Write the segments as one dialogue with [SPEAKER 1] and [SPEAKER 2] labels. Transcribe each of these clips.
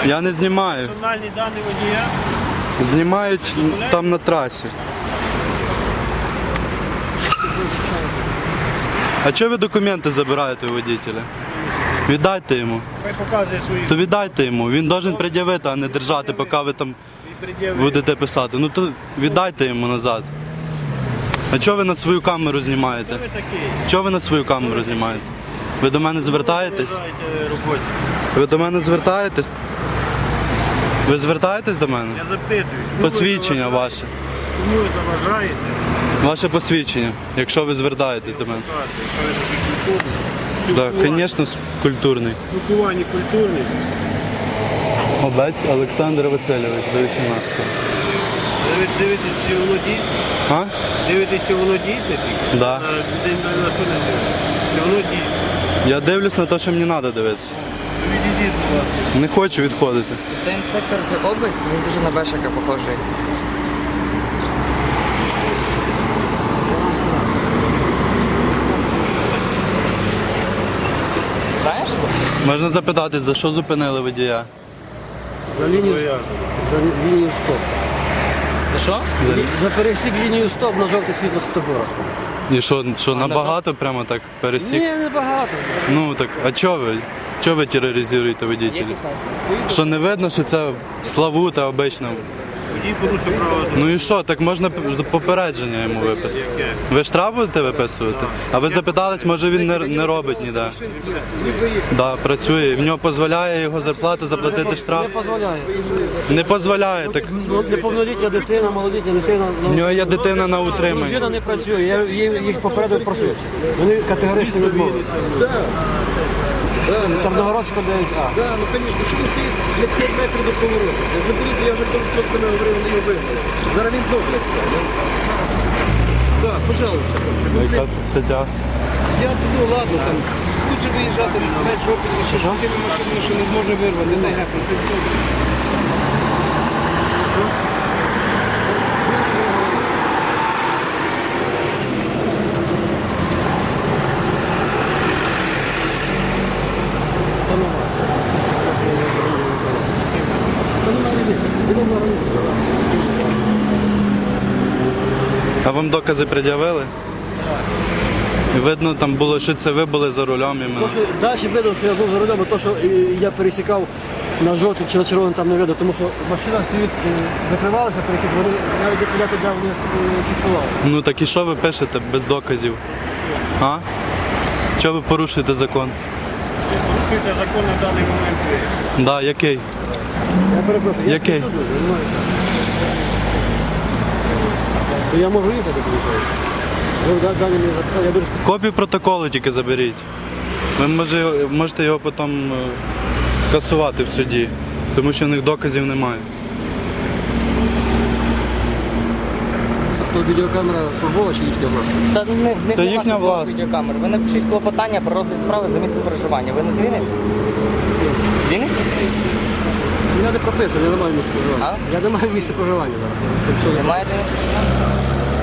[SPEAKER 1] Я не знімаю.
[SPEAKER 2] Персональні дані водія.
[SPEAKER 1] Знімають там на трасі. А чого ви документи забираєте у водителя? Віддайте йому.
[SPEAKER 2] Хай показує свої.
[SPEAKER 1] То віддайте йому. Він має пред'явити, а не держати, поки ви там будете писати. Ну то віддайте йому назад. А чого ви на свою камеру знімаєте?
[SPEAKER 2] Хто ви такий?
[SPEAKER 1] Чого ви на свою камеру знімаєте? Ви до мене звертаєтесь?
[SPEAKER 2] Заважаєте роботі.
[SPEAKER 1] Ви до мене звертаєтесь? Ви звертаєтесь до мене?
[SPEAKER 2] Я запитую. чому ви
[SPEAKER 1] Посвідчення
[SPEAKER 2] заважаєте?
[SPEAKER 1] ваше.
[SPEAKER 2] Чому ви заважаєте?
[SPEAKER 1] Ваше посвідчення, якщо ви звертаєтесь до мене.
[SPEAKER 2] Якщо ви такий культурний.
[SPEAKER 1] Так, звісно, культурний.
[SPEAKER 2] Спілкування культурне.
[SPEAKER 1] Обець Олександр Васильович, до 18-го.
[SPEAKER 2] Дивитесь, чи воно дійсне?
[SPEAKER 1] А?
[SPEAKER 2] Дивитесь, чи воно дійсне тільки?
[SPEAKER 1] Да.
[SPEAKER 2] На що не дивитесь? Чи воно дійсне?
[SPEAKER 1] Я дивлюсь на те, що мені треба дивитися.
[SPEAKER 2] Відійдіть, будь ласка.
[SPEAKER 1] Не хочу відходити.
[SPEAKER 3] Це інспектор, це область, він дуже на Бешика похожий. Знаєш?
[SPEAKER 1] Можна запитати, за що зупинили водія?
[SPEAKER 4] За лінію стоп.
[SPEAKER 3] За що?
[SPEAKER 4] За пересік лінію стоп на жовте світло світофора.
[SPEAKER 1] І що набагато прямо так пересік?
[SPEAKER 4] Ні, небагато.
[SPEAKER 1] Ну так, а чого ви? Чого ви тероризуєте
[SPEAKER 3] Є
[SPEAKER 1] водителів?
[SPEAKER 3] фіксація.
[SPEAKER 1] Що не видно, що це славута обична?
[SPEAKER 2] Водій порушив право.
[SPEAKER 1] Ну і що, так можна попередження йому виписати. Ви штраф будете виписувати? А ви запитались, може він не робить ніде? Да, працює. В нього дозволяє його зарплата заплатити штраф?
[SPEAKER 4] Не дозволяє.
[SPEAKER 1] Не дозволяє. Так
[SPEAKER 4] Ну, неповнолітня дитина, малолітня дитина.
[SPEAKER 1] в нього є дитина на утриманні.
[SPEAKER 4] Дружина не працює, я їх попередив просився. Вони категорично відмовилися. Тарногородська 9А.
[SPEAKER 5] Да, ну конечно, що він стоїть для 5 метрів до повороту. Заберіть, я вже з хлопцями говорив, вони його вигнали. Зараз він здохне. Так, пожалуйста.
[SPEAKER 1] Яка це стаття?
[SPEAKER 5] Я ну ладно, там, тут же виїжджати, навіть жопі, ще з такими машинами, що не зможе вирвати. Не,
[SPEAKER 1] А вам докази пред'явили? І видно, там було, що це ви були за рулем іменно.
[SPEAKER 4] То, що далі видно, що я був за рулем, а то, що я пересікав на жовтий чи на червоний, там не видно, тому що машина стоїть, закривалася, перехід, вони навіть я туди вони фіксували.
[SPEAKER 1] Ну так і що ви пишете без доказів? А? Чого ви порушуєте закон?
[SPEAKER 2] Порушуєте закон на даний момент ви.
[SPEAKER 1] Да, який?
[SPEAKER 4] Я перепрошую, я
[SPEAKER 1] Який?
[SPEAKER 4] суду, розумієте? То я можу їхати, виходить. Ви далі не запитали, я дуже
[SPEAKER 1] Копію протоколу тільки заберіть. Ви можете його потім скасувати в суді, тому що в них доказів немає.
[SPEAKER 4] То відеокамера службова чи їхня власна?
[SPEAKER 3] Та не
[SPEAKER 1] Це їхня власна.
[SPEAKER 3] відеокамера. Ви напишіть клопотання про розгляд справи за місцем проживання. Ви не з Вінниці? З Вінниці?
[SPEAKER 4] Я не прописаний, я не маю місця проживання.
[SPEAKER 3] А?
[SPEAKER 4] Я не маю місця проживання зараз. Так що
[SPEAKER 3] Ви маєте місце проживання?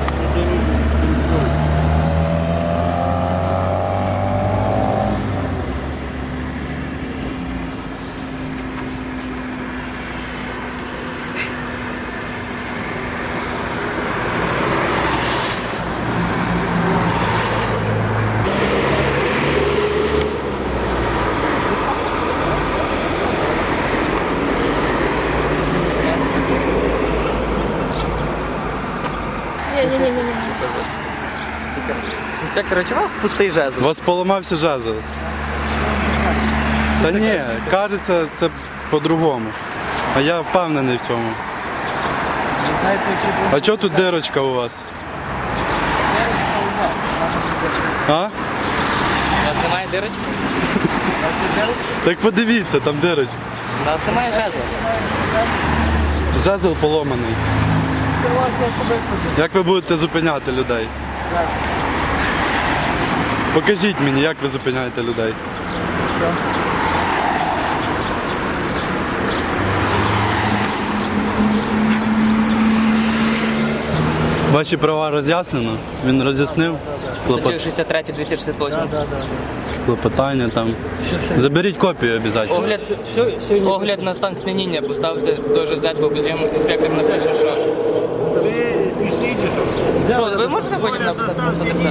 [SPEAKER 6] Ні.
[SPEAKER 3] Інспектор, а чи у вас пустий
[SPEAKER 1] У
[SPEAKER 3] жезл?
[SPEAKER 1] вас поламався жезл. Та ні, кажеться, це по-другому. А я впевнений в цьому. А чого тут дирочка у вас? А?
[SPEAKER 3] У нас немає дирочки?
[SPEAKER 1] Так подивіться, там дирочка.
[SPEAKER 3] У нас немає жезла.
[SPEAKER 1] Жезл поломаний. Як ви будете зупиняти людей? Покажіть мені, як ви зупиняєте людей. Ваші права роз'яснено? Він роз'яснив?
[SPEAKER 3] Статтю 63, 268.
[SPEAKER 1] клопотання там. Заберіть копію обов'язково.
[SPEAKER 3] Огляд,
[SPEAKER 4] Сьогодні
[SPEAKER 3] огляд на стан сп'яніння поставити до ЖЗ, бо потім інспектор напише, що...
[SPEAKER 2] Ви смішні чи що?
[SPEAKER 3] Що, ви можете потім написати на 130?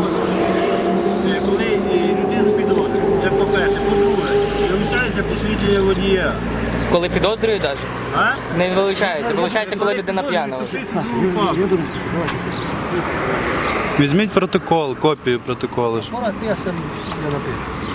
[SPEAKER 2] Коли людину підозрюють, це по-перше. По-друге, вилучається посвідчення водія.
[SPEAKER 3] Коли підозрюють навіть?
[SPEAKER 2] А?
[SPEAKER 3] Не вилучається. Вилучається, коли людина п'яна. вже.
[SPEAKER 4] Я дуже спішу, давайте сюди.
[SPEAKER 1] Візьміть протокол, копію протоколу.
[SPEAKER 4] Пора, я сам не напишу.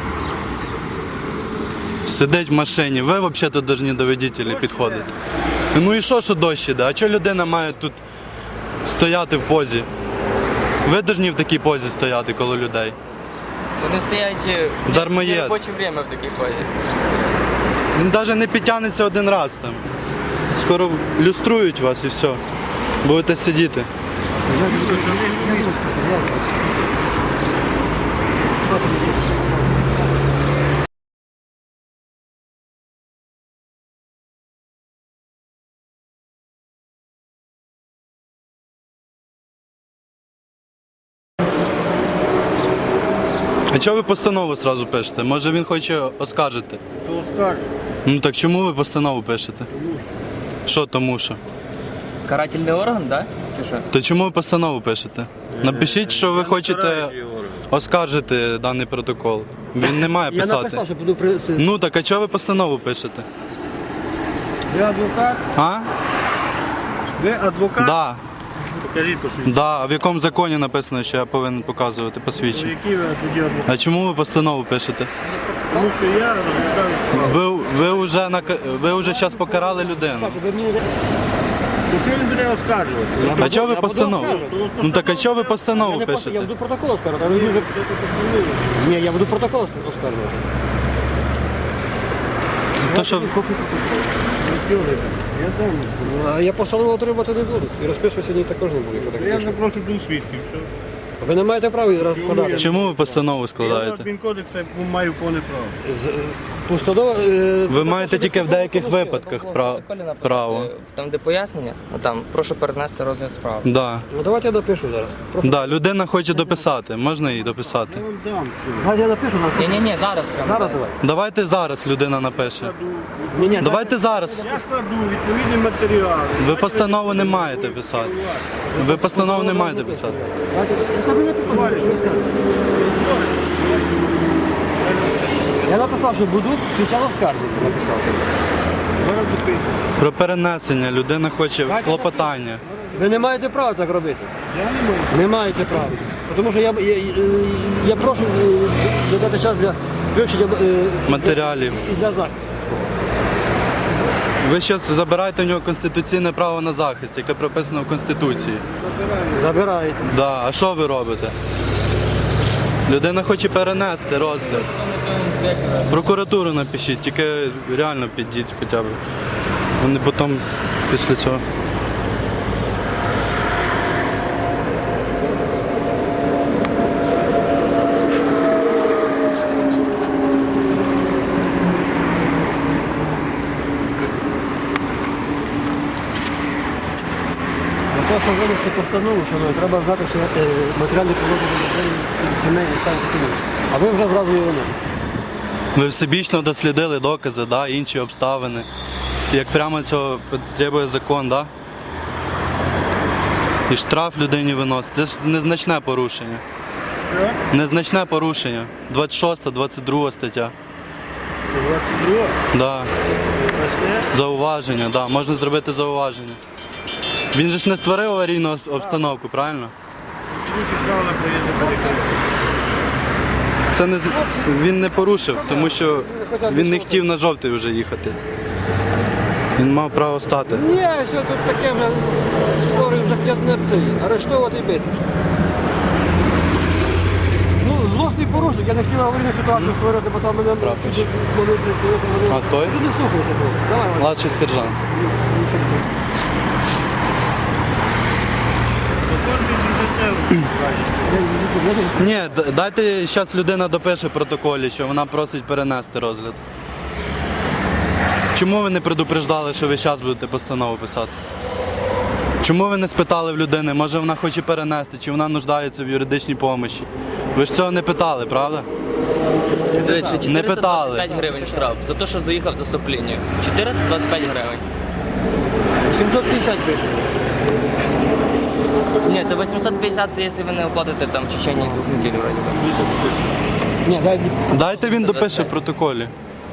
[SPEAKER 1] Сидить в машині, ви взагалі повинні до водителя підходити. Ну і що дощ іде? А чого людина має тут стояти в позі? Ви повинні в такій позі стояти коло людей.
[SPEAKER 3] Вони стоять
[SPEAKER 1] Дармоєд.
[SPEAKER 3] в робоче время в такій позі.
[SPEAKER 1] Він навіть не підтягнеться один раз там. Скоро люструють вас і все. Будете сидіти. А чого ви постанову одразу пишете? Може він хоче оскаржити?
[SPEAKER 2] То скажуть.
[SPEAKER 1] Ну так чому ви постанову пишете? Що тому що?
[SPEAKER 3] Карательний орган, так? Чи що?
[SPEAKER 1] То чому ви постанову пишете? Напишіть, що ви хочете оскаржити даний протокол. Він не має
[SPEAKER 4] Я написав,
[SPEAKER 1] писати.
[SPEAKER 4] що буду при...
[SPEAKER 1] Ну так а чого ви постанову пишете?
[SPEAKER 2] Ви адвокат?
[SPEAKER 1] А?
[SPEAKER 2] Ви адвокат?
[SPEAKER 1] Да.
[SPEAKER 2] Покажіть посвідчення.
[SPEAKER 1] Да. А в якому законі написано, що я повинен показувати посвідчення?
[SPEAKER 2] Який ви тоді адвокат?
[SPEAKER 1] А чому ви постанову пишете?
[SPEAKER 2] Тому що я розглядаю справу.
[SPEAKER 1] Ви вже зараз покарали людину.
[SPEAKER 4] Ви мені не...
[SPEAKER 2] Ну що він буде оскаржувати?
[SPEAKER 1] А чого ви
[SPEAKER 4] я буду
[SPEAKER 1] постанову?
[SPEAKER 4] оскаржувати.
[SPEAKER 1] Ну так а чого ви постанову
[SPEAKER 4] Я
[SPEAKER 1] пишете?
[SPEAKER 4] буду протокол оскаржувати, а ви вже... Ні, я буду протокол оскаржувати.
[SPEAKER 1] То, що...
[SPEAKER 2] Я там.
[SPEAKER 4] А я постанову отримати не буду. І розписуватися ні також не буду, якщо так
[SPEAKER 2] Я
[SPEAKER 4] пише.
[SPEAKER 2] запрошу двох свідків. Все.
[SPEAKER 4] Ви не маєте права її розкладати.
[SPEAKER 1] Чому ви постанову
[SPEAKER 2] Я
[SPEAKER 1] складаєте?
[SPEAKER 2] адмінкодекс маю повне право.
[SPEAKER 4] Постанова...
[SPEAKER 1] Ви маєте тільки в деяких випадках право.
[SPEAKER 3] Там, де пояснення, там прошу перенести розгляд справи.
[SPEAKER 1] Да.
[SPEAKER 4] Ну давайте я допишу зараз.
[SPEAKER 1] Да, людина хоче дописати. Можна їй дописати?
[SPEAKER 2] Я вам дам, що.
[SPEAKER 4] Давайте я напишу.
[SPEAKER 3] Ні, зараз прямо.
[SPEAKER 4] Зараз давайте.
[SPEAKER 1] Давайте зараз людина напише.
[SPEAKER 4] Ні,
[SPEAKER 1] Давайте зараз.
[SPEAKER 2] Я складу відповідні матеріали.
[SPEAKER 1] Ви постанову не маєте писати. Ви постанову не маєте писати.
[SPEAKER 4] Я написав, що буду під час оскарження написав.
[SPEAKER 2] Зараз допишу.
[SPEAKER 1] Про перенесення людина хоче клопотання.
[SPEAKER 4] Ви не маєте права так робити.
[SPEAKER 2] Я не можу.
[SPEAKER 4] Не маєте права. Тому що я прошу додати час для вивчення
[SPEAKER 1] Матеріалів.
[SPEAKER 4] і для захисту.
[SPEAKER 1] Ви зараз забираєте у нього конституційне право на захист, яке прописано в Конституції.
[SPEAKER 4] Забираєте.
[SPEAKER 1] Да. А що ви робите? Людина хоче перенести розгляд. Прокуратуру напишіть, тільки реально підіть хоча б. Вони потім після цього.
[SPEAKER 4] Для того, щоб винести постанову, що треба знати, що матеріальне положення сімейний стан такий інший. А ви вже зразу його виносите.
[SPEAKER 1] Ви всебічно дослідили докази, да, інші обставини. Як прямо цього потребує закон, да? І штраф людині виносить. Це ж незначне порушення.
[SPEAKER 2] Що?
[SPEAKER 1] Незначне порушення. 26, 22 стаття.
[SPEAKER 2] 22.
[SPEAKER 1] Да.
[SPEAKER 2] Значне.
[SPEAKER 1] Зауваження, да. Можна зробити зауваження. Він же ж не створив аварійну обстановку, правильно?
[SPEAKER 2] Тому що правила проїзду перекрити.
[SPEAKER 1] Це не він не порушив, тому що він не хотів на жовтий вже їхати. Він мав право стати.
[SPEAKER 4] Ні, що тут таке вже створює вже хотять не цей, арештовувати і бити. Ну, злосний порушник, я не хотів аварійну ситуацію створювати, бо там мене
[SPEAKER 1] Прапорщик.
[SPEAKER 4] чуть вони це вони.
[SPEAKER 1] А той?
[SPEAKER 4] Ти не слухайся, хлопці. Давай, Ваня.
[SPEAKER 1] Младший сержант.
[SPEAKER 4] Нічого не
[SPEAKER 1] Ні, дайте зараз людина допише в протоколі, що вона просить перенести розгляд. Чому ви не предупреждали, що ви зараз будете постанову писати? Чому ви не спитали в людини, може вона хоче перенести, чи вона нуждається в юридичній допомозі? Ви ж цього не питали, правда?
[SPEAKER 3] До речі,
[SPEAKER 1] Не питали.
[SPEAKER 3] 425 гривень штраф за те, що заїхав за стоп-лінію. 425 гривень.
[SPEAKER 4] 750 пише.
[SPEAKER 3] Ні, це 850, це якщо ви не оплатите там в течение 2 неділь, вроді би.
[SPEAKER 4] Ні, дай
[SPEAKER 1] Дайте він допише в протоколі.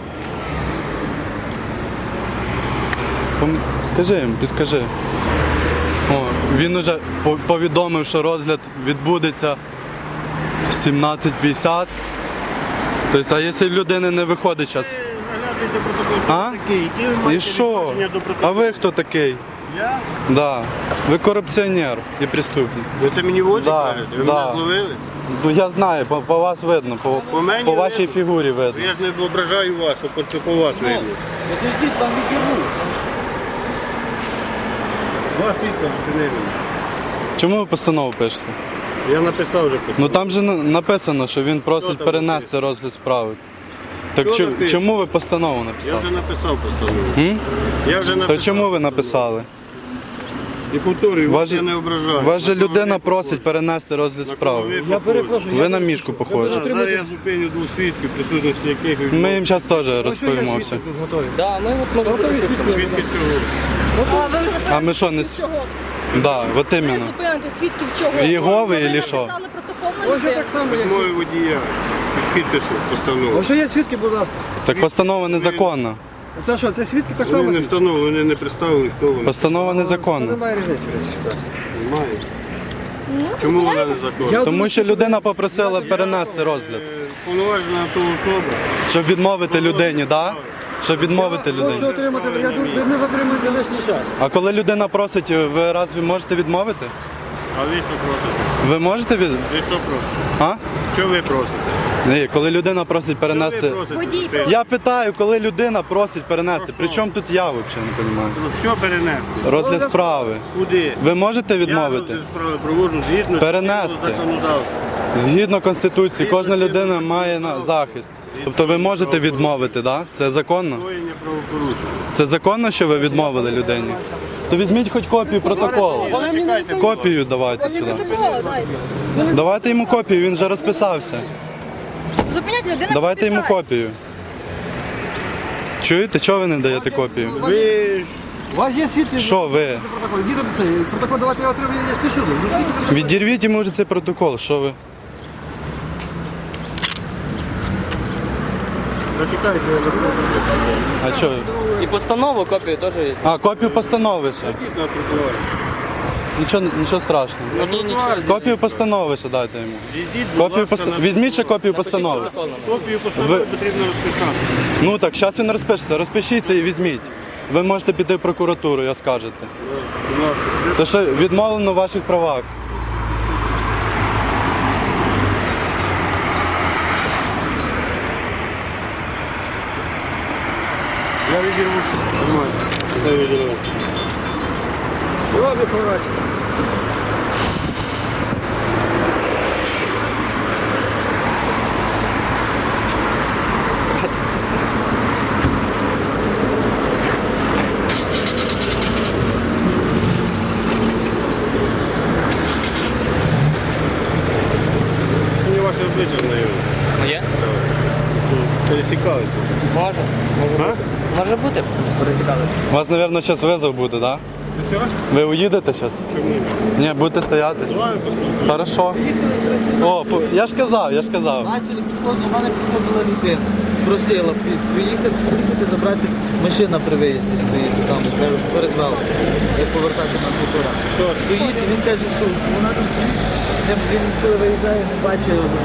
[SPEAKER 1] Скажи їм, підскажи. О, він уже повідомив, що розгляд відбудеться в 17:50. Тобто, а якщо в людини не виходить зараз?
[SPEAKER 2] Наглядуйте протокол, хто
[SPEAKER 1] А?
[SPEAKER 2] ви такий. Які ви
[SPEAKER 1] І
[SPEAKER 2] маєте
[SPEAKER 1] що?
[SPEAKER 2] відношення до
[SPEAKER 1] А
[SPEAKER 2] протоколу?
[SPEAKER 1] ви хто такий?
[SPEAKER 2] Я?
[SPEAKER 1] Да. Ви корупціонер і преступник.
[SPEAKER 2] Ви це мені в очі
[SPEAKER 1] Да,
[SPEAKER 2] кажете? Ви
[SPEAKER 1] да.
[SPEAKER 2] мене зловили?
[SPEAKER 1] Ну я знаю, по вас видно,
[SPEAKER 2] По мені
[SPEAKER 1] по вашій
[SPEAKER 2] видно.
[SPEAKER 1] фігурі видно.
[SPEAKER 2] Я ж не ображаю вас, що це по вас видно.
[SPEAKER 4] Підійдіть, там відірву.
[SPEAKER 2] Вас підказ зупинили.
[SPEAKER 1] Чому ви постанову пишете?
[SPEAKER 2] Я написав вже постанову.
[SPEAKER 1] Ну там же написано, що він просить
[SPEAKER 2] там
[SPEAKER 1] перенести розгляд справи. Так
[SPEAKER 2] Що написано?
[SPEAKER 1] чому ви постанову
[SPEAKER 2] Я
[SPEAKER 1] написали?
[SPEAKER 2] вже написав постанову.
[SPEAKER 1] М?
[SPEAKER 2] Я вже написав.
[SPEAKER 1] То чому ви написали?
[SPEAKER 2] І повторюю, вас
[SPEAKER 1] Вас
[SPEAKER 2] я не ображаю.
[SPEAKER 1] Вас же
[SPEAKER 2] На кого
[SPEAKER 1] людина
[SPEAKER 2] ви
[SPEAKER 1] просить
[SPEAKER 2] похожі?
[SPEAKER 1] перенести розгляд
[SPEAKER 2] На кого
[SPEAKER 1] справи.
[SPEAKER 2] ви
[SPEAKER 4] Я
[SPEAKER 2] похожі?
[SPEAKER 4] перепрошую.
[SPEAKER 1] Ви на мішку похожі.
[SPEAKER 2] Да, зараз я зупиню 2 свідків, присутності яких
[SPEAKER 1] Ми їм зараз теж розповімо все.
[SPEAKER 4] Тут готові.
[SPEAKER 3] Да, ми от можемо
[SPEAKER 4] Готові
[SPEAKER 3] бути
[SPEAKER 4] свідки?
[SPEAKER 2] Свідки чого?
[SPEAKER 6] А ви
[SPEAKER 1] А ми що, не
[SPEAKER 6] зупините чого?
[SPEAKER 1] Да, от
[SPEAKER 6] Ви
[SPEAKER 1] іменно.
[SPEAKER 6] зупините свідків чого?
[SPEAKER 1] Єгови
[SPEAKER 6] Ви
[SPEAKER 1] ілі що?
[SPEAKER 6] написали протокол на
[SPEAKER 4] Ось я
[SPEAKER 6] людину.
[SPEAKER 4] так само є.
[SPEAKER 2] Мої водія. Підписи постанови.
[SPEAKER 4] Ось є свідки, будь ласка.
[SPEAKER 1] Так постанова незаконна.
[SPEAKER 4] Це що, це свідки так
[SPEAKER 2] Вони
[SPEAKER 4] само?
[SPEAKER 2] не
[SPEAKER 4] свідки?
[SPEAKER 2] встановлені, вони не представили, хто вони.
[SPEAKER 1] Постанова
[SPEAKER 4] Та
[SPEAKER 1] незаконна.
[SPEAKER 4] немає різниці в цій ситуації.
[SPEAKER 2] Немає. Чому вона не законна?
[SPEAKER 4] Я
[SPEAKER 1] Тому що людина попросила перенести розгляд.
[SPEAKER 2] Повноважена то особа.
[SPEAKER 1] Щоб відмовити людині, да? Щоб відмовити
[SPEAKER 4] Прошу
[SPEAKER 1] людині.
[SPEAKER 4] отримати, я думаю, ви не затримуєте лишній час.
[SPEAKER 1] А коли людина просить, ви разві можете відмовити?
[SPEAKER 2] А ви що просите?
[SPEAKER 1] Ви можете від.
[SPEAKER 2] Ви що просите?
[SPEAKER 1] А?
[SPEAKER 2] Що ви просите?
[SPEAKER 1] Ні, коли людина просить
[SPEAKER 2] Що ви
[SPEAKER 1] перенести.
[SPEAKER 2] просите?
[SPEAKER 6] Водій
[SPEAKER 2] Ти-
[SPEAKER 1] Я питаю, коли людина просить перенести.
[SPEAKER 2] Про що?
[SPEAKER 1] При чому тут я взагалі не розумію?
[SPEAKER 2] Що перенести?
[SPEAKER 1] Розгляд справи.
[SPEAKER 2] Куди?
[SPEAKER 1] Ви можете
[SPEAKER 2] Я
[SPEAKER 1] відмовити?
[SPEAKER 2] розгляд справи проводжу згідно
[SPEAKER 1] Перенести.
[SPEAKER 2] чинного законодавства.
[SPEAKER 1] Згідно Конституції, кожна людина має захист. Тобто ви можете відмовити, да? Це законно?
[SPEAKER 2] Скоєння правопорушення.
[SPEAKER 1] Це законно, що ви відмовили людині? То візьміть хоч копію протоколу.
[SPEAKER 2] Чекайте,
[SPEAKER 1] Копію давайте сюди.
[SPEAKER 6] протокола дайте.
[SPEAKER 1] Давайте йому копію, він вже розписався.
[SPEAKER 6] Зупиняйте людину.
[SPEAKER 1] Давайте йому копію. Чуєте, чого ви не даєте копію?
[SPEAKER 2] ви ж
[SPEAKER 4] У вас є свідки?
[SPEAKER 1] Що ви?
[SPEAKER 4] Протокол. Діти, це, протокол давайте я отримую, я спішу.
[SPEAKER 1] Відірвіть йому вже цей протокол, що ви?
[SPEAKER 2] зачекайте, я запрошую.
[SPEAKER 1] А що?
[SPEAKER 3] І постанову, копію теж.
[SPEAKER 1] А, копію постанови ще.
[SPEAKER 2] Йдіть на тротуар.
[SPEAKER 1] Нічого страшного.
[SPEAKER 3] Ну, ні, нічого.
[SPEAKER 1] Копію постанови ще дайте йому.
[SPEAKER 2] Йдіть, будь
[SPEAKER 1] Копію
[SPEAKER 2] ласка,
[SPEAKER 1] постанови.
[SPEAKER 2] на
[SPEAKER 1] Візьміть ще копію
[SPEAKER 3] Напишіть
[SPEAKER 1] постанови.
[SPEAKER 3] протокол нам.
[SPEAKER 2] Копію постанови
[SPEAKER 1] Ви-
[SPEAKER 2] потрібно розписатися.
[SPEAKER 1] Ну так, зараз він розпишеться. Розпишіться і візьміть. Ви можете піти в прокуратуру, я скажете.
[SPEAKER 2] Будь ласка.
[SPEAKER 1] То що відмовлено в ваших правах.
[SPEAKER 2] Я відірву. Нормально. Я відірву.
[SPEAKER 4] Ладно, хворать.
[SPEAKER 2] Мені ваше обличчя знайоме.
[SPEAKER 3] Моє?
[SPEAKER 2] Пересікали.
[SPEAKER 3] Може.
[SPEAKER 2] А?
[SPEAKER 3] Може бути. Пересікали.
[SPEAKER 1] У вас, мабуть, зараз визов буде, так?
[SPEAKER 2] Ну що?
[SPEAKER 1] Ви уїдете зараз?
[SPEAKER 2] Чому?
[SPEAKER 1] Ні, будете стояти.
[SPEAKER 2] Давай поспілкуємося.
[SPEAKER 1] Хорошо. О, я ж казав.
[SPEAKER 7] Бачили, підходили, до мене підходила людина, просила приїхати, забрати, машина при виїзді стоїть там, перед велом, як повертати на тротуар. Стоїть, і він каже, що вона там, він коли виїжджає, не бачить